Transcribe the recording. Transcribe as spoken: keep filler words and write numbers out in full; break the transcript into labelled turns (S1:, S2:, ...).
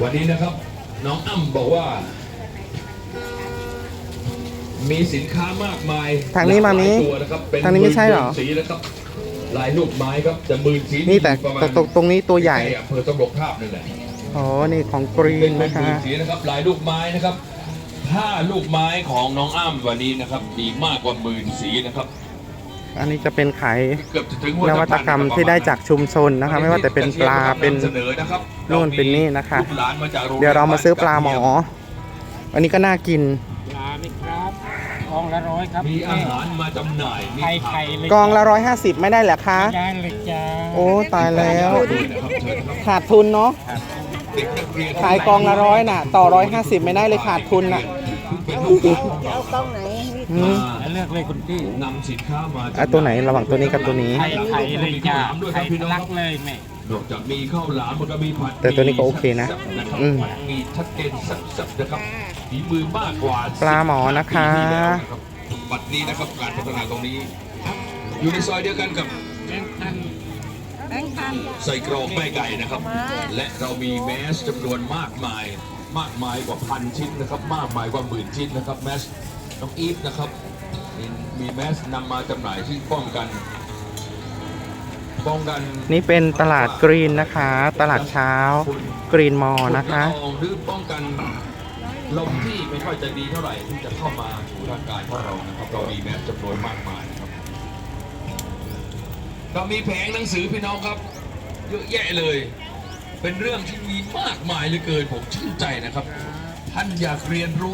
S1: วันนี้นะครับน้องอ้ำบอกว่า มีสินค้ามากมาย
S2: ทางนี้มามี
S1: หลยตัวนะครับเป็น
S2: ทางนี้ไม่ใช่เหรอ
S1: สีนะครับลายลูกไม้ครับจะหมื่นสี
S2: นี่แต่
S1: ประมาณ
S2: ตรงตรงนี้ตัวใหญ่
S1: ใกล้อำเภอตำรวจภาพนั่นแหละ
S2: อ๋อนี่ของกรี
S1: เป็น
S2: น
S1: เป็น
S2: นะ
S1: หมื่
S2: คะ
S1: นสีนะครับลายลูกไม้นะครับผ้าลูกไม้ของน้องอ้ำวันนี้นะครับมีมากกว่าหมื่นสีนะครับ
S2: อันนี้จะเป็นขาย
S1: เกือบจะถึง
S2: นวัตกรรมที่ได้จากชุมชนนะคะ ไม่ว่าแต่เป็นปลาเป็น
S1: เสนอนะครับ
S2: นู่นเป็นนี่นะคะ
S1: ลูกหลานมาจากโง
S2: เดี๋ยวเรามาซื้อปลาหมอ อันนี้ก็น่ากิน
S3: ปลาไหมครับกองละร้อยครับ
S1: มีอาหารมาจำหน่ายมี
S3: ไข่
S1: ผั
S3: ไข่
S1: ก
S3: เลย
S2: กองละร้อยห้าสิบไม่ได้เหรอคะ
S3: ได้เลยจ้า
S2: โอ้ตายแล้ว
S1: ด้วยนะครับเชิญนะครับ
S2: ขาดทุนเนาะ
S1: เด็กนักเรียน
S2: ขายกองละร้อยน่ะ ต่อร้อยห้าสิบไม่ได้เลยขาดทุนน่ะ
S1: เป็นลูกหลาน
S4: จะเอากล้องไหน
S2: อืม
S1: มา
S3: เลือกเลยคุณพี่
S1: นำสินค้ามา
S2: อ่ะตัวไหนระหว่างตัวนี้กับตัวนี้
S3: ไข่ไข่เลยจ้าไข่ทะลักเลยแม่
S1: นอกจากมีข้าวหลามมันก็มีผัด
S2: แต่ตัวนี้ก็โอเคนะ
S1: นะครับ
S2: อืม
S1: มีชัดเจนสับๆนะครับฝีมือมากกว่า
S2: ปลาหมอนะคะ
S1: ปีที่แล้วนะครับบัดนี้นะครับการพัฒนาตรงนี้ อยู่ในซอยเดียวกันกับ
S3: แบงค์พัน
S4: แบงค์พัน
S1: ใส่กรอกแม่ไก่นะครับ และเรามีแมสจำนวนมากมาย มากมายกว่าพันชิ้นนะครับ มากมายกว่าหมื่นชิ้นนะครับแมสน้องอีฟนะครับมีมีแมสนำมาจำหน่ายที่ป้องกัน ป้องกัน
S2: นี่เป็นตลาดกรีนนะคะ ตลาดเช้ากรีนมอลนะคะ
S1: ฝุ่ละอองหรือป้องกันลมที่ไม่ค่อยจะดีเท่าไหร่ที่จะเข้ามาสู่ร่างกายของเรานะครับ เรามีแมสจำนวนมากมายนะครับเรามีแผงหนังสือพี่น้องครับ เยอะแยะเลย เป็นเรื่องที่มีมากมายเหลือเกินผมชื่นใจนะครับ ท่านอยากเรียนรู้